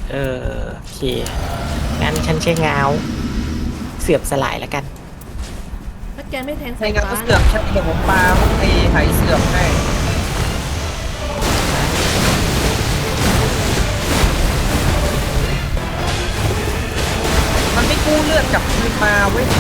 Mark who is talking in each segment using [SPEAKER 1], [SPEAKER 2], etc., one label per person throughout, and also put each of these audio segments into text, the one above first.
[SPEAKER 1] โอเคงั้นฉันใช้งาวเสื่อมสลายแล้วกัน
[SPEAKER 2] ถ้าแกไม่แทง
[SPEAKER 3] ใน
[SPEAKER 2] สาย
[SPEAKER 3] งาน
[SPEAKER 2] ฟ้า
[SPEAKER 3] ก็เสื่อมฉันเดี๋ยวผมปาไอ้ไหเสื่อมให้มันไม่กู้เลือดกลับคืนมาเว้ย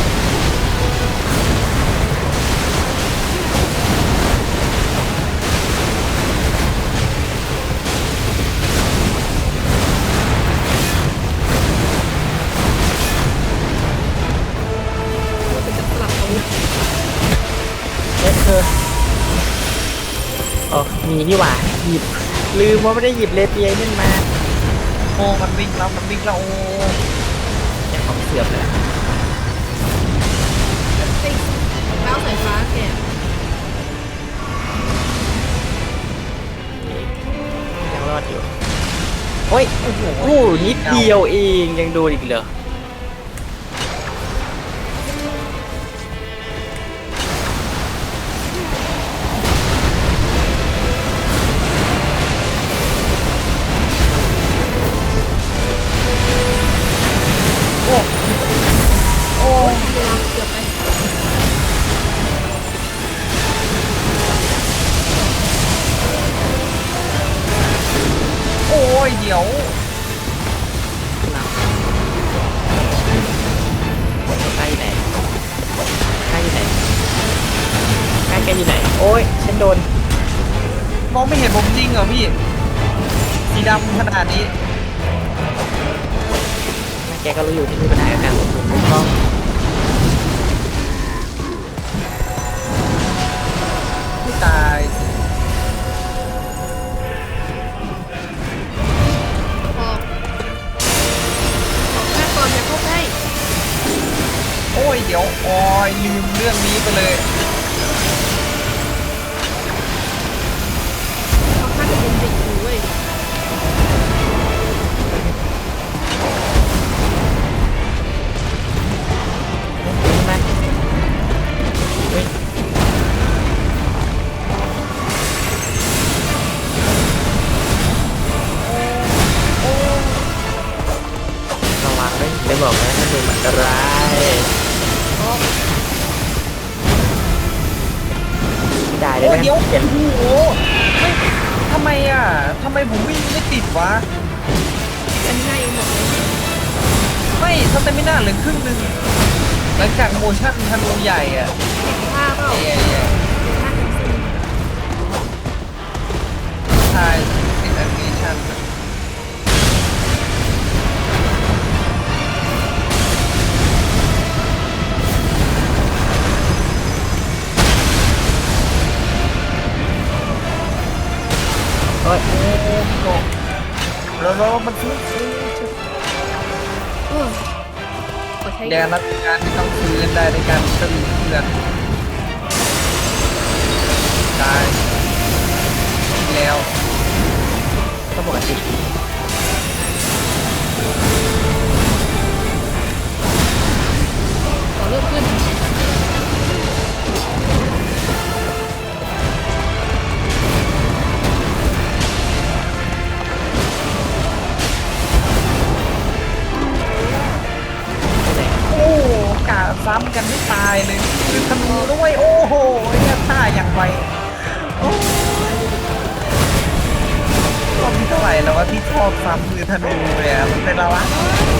[SPEAKER 2] เราจะสลับอาวุธ
[SPEAKER 1] เธออ๋อมีนี่หว่าหยิบลืมว่าไม่ได้หยิบเลเปียนั่นมา
[SPEAKER 3] โอ้มันวิ่งแล้วมันวิ่งแล้วโอ้
[SPEAKER 1] เนี่ยของเสื่อมเลย
[SPEAKER 2] ไอ้ก้าวสายฟ้าแก
[SPEAKER 1] ยังรอดอยู่โอ้ยโอ้โหนิดเดียวเองยังโดนอีกเหรอ
[SPEAKER 2] โอ้ยเวลาเกือบไป
[SPEAKER 3] โอ้ยเดี๋ยว
[SPEAKER 1] ใกล้ไหนใกล้ไหนใกล้แกอยู่ไหนโอ้ยฉันโดน
[SPEAKER 3] มองไม่เห็นผมจริงเหรอพี่สีดำขนาดนี้
[SPEAKER 1] แกก็รู้อยู่ที่มีปัญหากับการลงทุนถูกต้อง
[SPEAKER 3] ไม่ตายสิ
[SPEAKER 2] ออกแค่ก่อนอย่าเข้าใกล้
[SPEAKER 3] โอ้ยเดี๋ยวโอ้ยลืมเรื่องนี้ไปเลย
[SPEAKER 2] เขาฆ่าจะเป็นเด็กอยู่เว้ย
[SPEAKER 1] ขึ้นมาเฮ้ยระวังเลยได้บอกนะถ้าดูมันอันตรายไม่ได้เล
[SPEAKER 3] โอ้
[SPEAKER 1] ย
[SPEAKER 3] ย
[SPEAKER 1] นะ
[SPEAKER 3] เดี๋ยว
[SPEAKER 1] เปลี่ยน
[SPEAKER 3] โอ้โหไม่ทำไมอ่ะทำไมผมวิ่งไม่ติดวะ
[SPEAKER 2] อันนี้ให้เองหมดเลย
[SPEAKER 3] ไม่สเตมิน่าเหลือครึ่งหนึงหลังจากโมชั่นธนูใหญ่อ่ะ
[SPEAKER 2] ฆ่าเปล่า
[SPEAKER 3] เอ้ย
[SPEAKER 2] ฆ่าถึงสิ้น
[SPEAKER 3] ใช่ติดแอนิเมชั่น
[SPEAKER 1] โอ้ย
[SPEAKER 3] โอ้แล้วมันซื้อ
[SPEAKER 2] เออขอใช้
[SPEAKER 3] แดนรับการที่ต้องซื้อได้ในการซื้อเพื่อนตายแล้ว
[SPEAKER 1] ก็ปกติ
[SPEAKER 2] ขอเลือกขึ้น
[SPEAKER 3] โอ้กะซ้ำกันไม่ตายเลยคือธนูด้วยโอ้โหเนี่ยท่าอย่างไวโอ้รอบที่เท่าไหร่แล้วว่าที่ชอบซ้ำมือธนูเลยอะมันเป็นอะไรวะ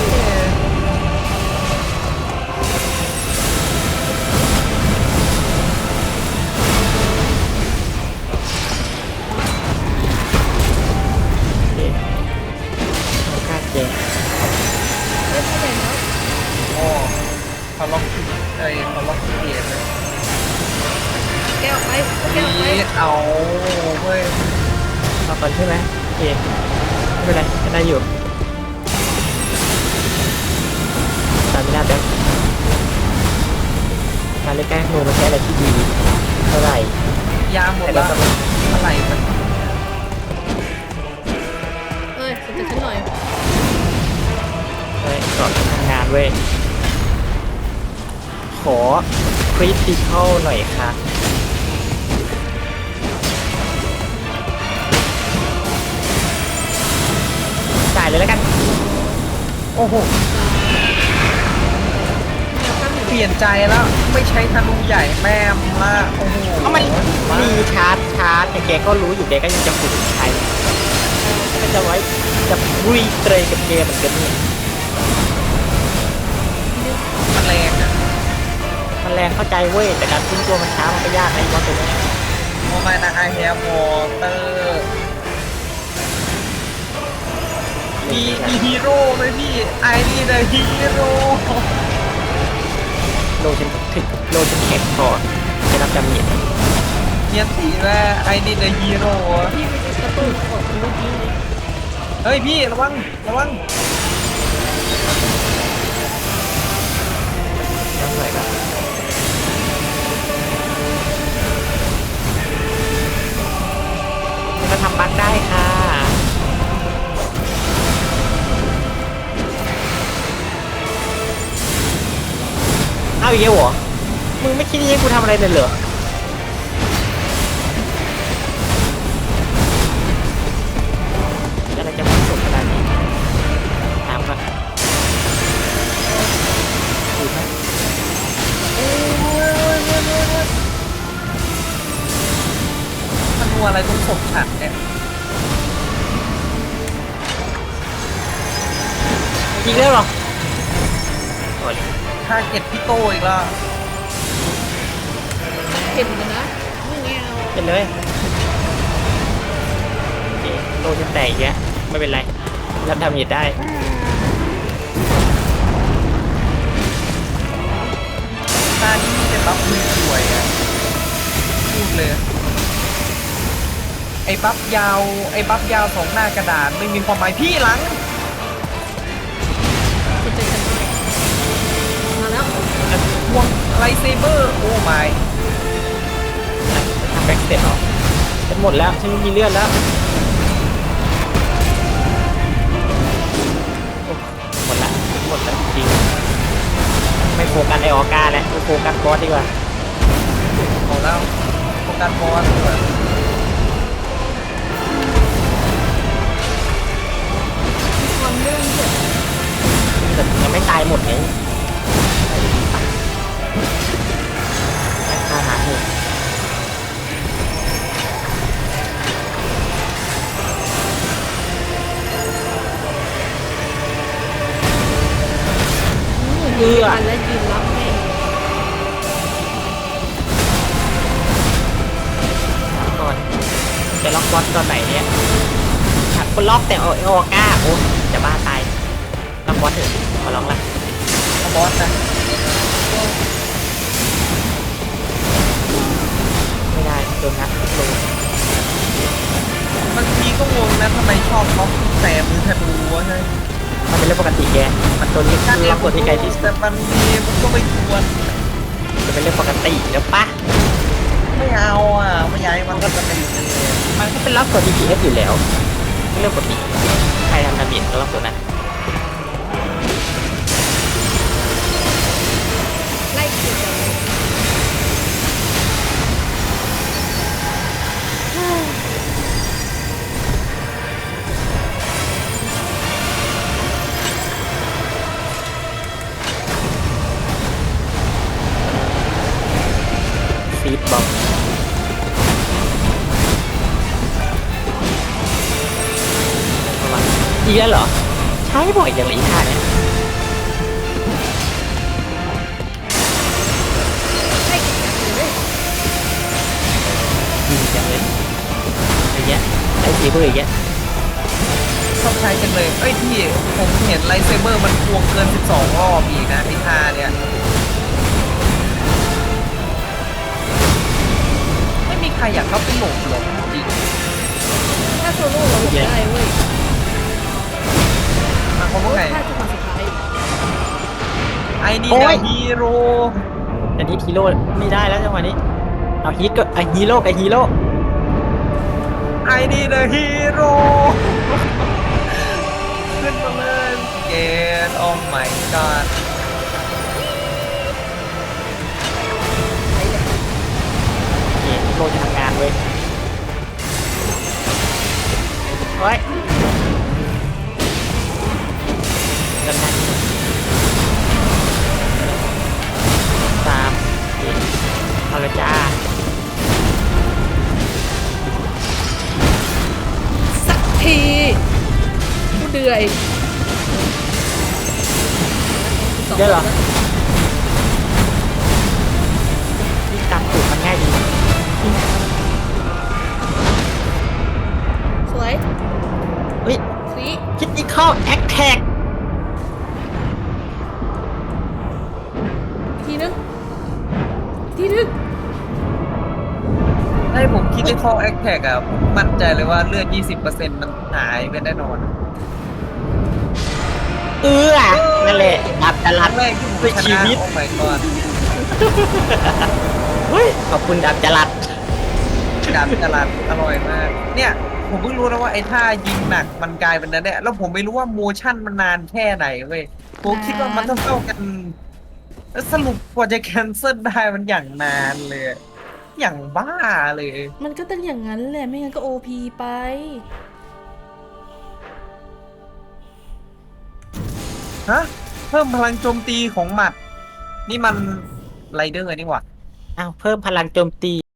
[SPEAKER 1] โอเคโอกาสแก
[SPEAKER 2] เล่นไม่ได้แล้ว
[SPEAKER 3] โอ้เขาล็อกเขาล็อกเกียร์เลย
[SPEAKER 2] แกออกไปแกออกไป
[SPEAKER 3] นี่เอาเว้ย
[SPEAKER 1] เอาก่อนใช่ไหมโอเคไม่เป็นไรก็ได้อยู่ตามไม่ได้แป๊บการเล่นแกล้งโนไม่ใช่อะไรที่ดีเท่าไหร่
[SPEAKER 3] ยาหมด
[SPEAKER 1] แต่
[SPEAKER 3] แล้ว
[SPEAKER 1] เราต้อง
[SPEAKER 3] อะไรมัน
[SPEAKER 2] เอ้ยสนใจฉันหน่อย
[SPEAKER 1] เฮ้ยก่อนทำงานเว้ยขอคริติคอลหน่อยค่ะจ่ายเลยแล้วกัน
[SPEAKER 3] โอ้โห
[SPEAKER 2] แนวตั้งอยู่
[SPEAKER 3] เปลี่ยนใจแล้วไม่ใช้ธนูใหญ่แม่มละโอ้โห
[SPEAKER 1] ก็มันมีชาร์จแต่แกก็รู้อยู่แกก็ยังจะฝืนใช้ก็จะไว้จะบุยเตยกับเกมเหมือนกันเนี่ย
[SPEAKER 3] มันแรงอ่ะ
[SPEAKER 1] มันแรงเข้าใจเว้ยแต่การขึ้นตัวมันช้ามันก็ยากนะไอ้มอนตัวเนี้ย
[SPEAKER 3] โอ้ไม่นะไอแฮมวอเตอร์มีฮีโร่ไหมพี่ไอนี่เดอะฮีโร่
[SPEAKER 1] โลจนถึงโลจนแข็งก่อนจะรับจำเนียน
[SPEAKER 3] เนียนสีแม่ไอนี่เดอะฮีโร่
[SPEAKER 2] พี่ไปกระตุ้นกดเมื่อกี้เลย
[SPEAKER 3] เฮ้ยพี่ระวังระวัง
[SPEAKER 1] น้ำไหลครับก็ทำบั๊กได้ค่ะเอาอีกแล้วเหรอมึงไม่คิดให้กูทำอะไรเลยเหรออะไรจะมันสุดขนาดนี้ถามก่อนดูไหม
[SPEAKER 3] มันนัวอะไรตรงศพฉันเนี่ย
[SPEAKER 1] อีกแล้วเหรอโอ้ย
[SPEAKER 3] ทาเก็ตพี่โตอีกแล้ว
[SPEAKER 2] เห็นกันนะไม่เงี้ย
[SPEAKER 1] เป็นเลยโอเคโลจะแตกอีกแล้วไม่เป็นไรรับทำเหตุได้
[SPEAKER 3] ตานี้มีแต่บัฟมือสวยอ่ะพูดเลย ไอ้บัฟยาวสองหน้ากระดาษไม่มีความหมายพี่หลัง
[SPEAKER 2] สนใจฉันด้วยมาแล้ว
[SPEAKER 3] วงไลท์เซเบอร์โอ้ไม่
[SPEAKER 1] ทำแบ็กสเตปเหรอฉันหมดแล้วฉันไม่มีเลือดแล้วโอ้หมดละหมดแล้วจริงๆไม่โฟกัสไอออก้าแล้วไม่โฟกัสบอสดีกว่า
[SPEAKER 3] เอาแล้วโฟกัสบอสดีกว่า
[SPEAKER 2] ความเรื่องเกิด
[SPEAKER 1] แต่ยังไม่ตายหมดไงฆ่าหาเหตุเอื้อ
[SPEAKER 2] กันและยืนรับแม่ง
[SPEAKER 1] ก่อนจะล็อกบอสตอนไหนเนี่ยคนล็อกแต่ไอออก้าโอ้จะบ้าตายล็อกบอสเถอะขอร้องละ
[SPEAKER 3] เอาบอสนะ
[SPEAKER 1] ไม่ได้โดนงัดลง
[SPEAKER 3] บางทีก็งงนะทำไมชอบล็อกแต่มือธนูวะใช่
[SPEAKER 1] มันเป็นเรื่องปกติแกมันตัวนี้คือล็อกตัวที่ไกลที่สุด
[SPEAKER 3] แต่มันมีมันก็ไม่ควร
[SPEAKER 1] จะเป็นเรื่องปกติแล้วปะ
[SPEAKER 3] ไม่เอาอ่ะไม่อยากให้มันก็จะเป็นอย่างนี้
[SPEAKER 1] มันก็เป็นล็อกตัว DPS อยู่แล้วเป็นเรื่องปกติใครทำดาเมจก็ล็อกตัวนั้น
[SPEAKER 2] ไล่ขีดกันเลย
[SPEAKER 1] ฟีดบอมอีกแล้วเหรอใช้บ่อยอย่างไรอีท่าเนี่ย
[SPEAKER 2] ไล่ขีดกันเลย
[SPEAKER 1] ดีจังเลยอย่างเงี้ยไอ้ทีเพื่ออย่างเงี้ย
[SPEAKER 3] ชอบใช้จังเลยเอ้ยพี่ผมเห็นไลท์เซเบอร์มันควงเกิน 12 รอบอีกนะไอ้ท่าเนี่ยไม่มีใครอยากเข้าไปหลบหรอกจริง
[SPEAKER 2] ถ้าโซโล่เราหลบได้เว้ย
[SPEAKER 3] มาเขาว่าไง
[SPEAKER 2] ถ้าจังหวะสุดท้าย
[SPEAKER 3] ไอ้นี่นะฮีโร่
[SPEAKER 1] แต่นี้ฮีโร่ไม่ได้แล้วจังหวะนี้เอาฮีทก็ไอฮีโร่กับฮีโร่
[SPEAKER 3] ไอ้นี่นะฮีโร่ขึ้นมาเลยเกตโอ้ my god
[SPEAKER 1] โอเคโลจะทำงานเว้ยเฮ้ยกำลัง
[SPEAKER 2] เหนื่อย
[SPEAKER 1] เยอะเหรอวิ่งตามตูดมันง่ายดี
[SPEAKER 2] สวย
[SPEAKER 1] เฮ้ย
[SPEAKER 2] สี
[SPEAKER 1] คิดนี่เข้าแอคแท็ก
[SPEAKER 2] อีกทีนึงอีกทีนึง
[SPEAKER 3] ให้ผมคิดในข้อแอคแท็กอะผมมั่นใจเลยว่าเลือด 20%มันหายไปแน่นอน
[SPEAKER 1] นั่นแหละดับจ
[SPEAKER 3] ค
[SPEAKER 1] รั
[SPEAKER 3] รั้
[SPEAKER 1] ด
[SPEAKER 3] งแรกที่ผม
[SPEAKER 1] ด้วย
[SPEAKER 3] ช
[SPEAKER 1] ชี
[SPEAKER 3] นะ
[SPEAKER 1] วิต
[SPEAKER 3] โอ้ my god
[SPEAKER 1] เฮ้ยขอบคุณดับจรัด
[SPEAKER 3] ดาบจรัสอร่อยมาก เนี่ย ผมเพิ่งรู้นะว่าไอ้ท่ายิงหนักมันกลายเป็นนั้นเนี่ยแล้วผมไม่รู้ว่าโมชั่นมันนานแค่ไหนเว้ยผมคิดว่ามันเท่ากันแล้วสรุปกว่าจะแคนเซิลได้มันอย่างนานเลย อย่างบ้าเลย
[SPEAKER 2] มันก็ต้องอย่างนั้นแหละไม่งั้นก็โอพีไป
[SPEAKER 3] ฮะ เพิ่มพลังโจมตีของหมัด นี่มันไรเดอร์นี่หว่า
[SPEAKER 1] อ้าวเพิ่มพลังโจมตี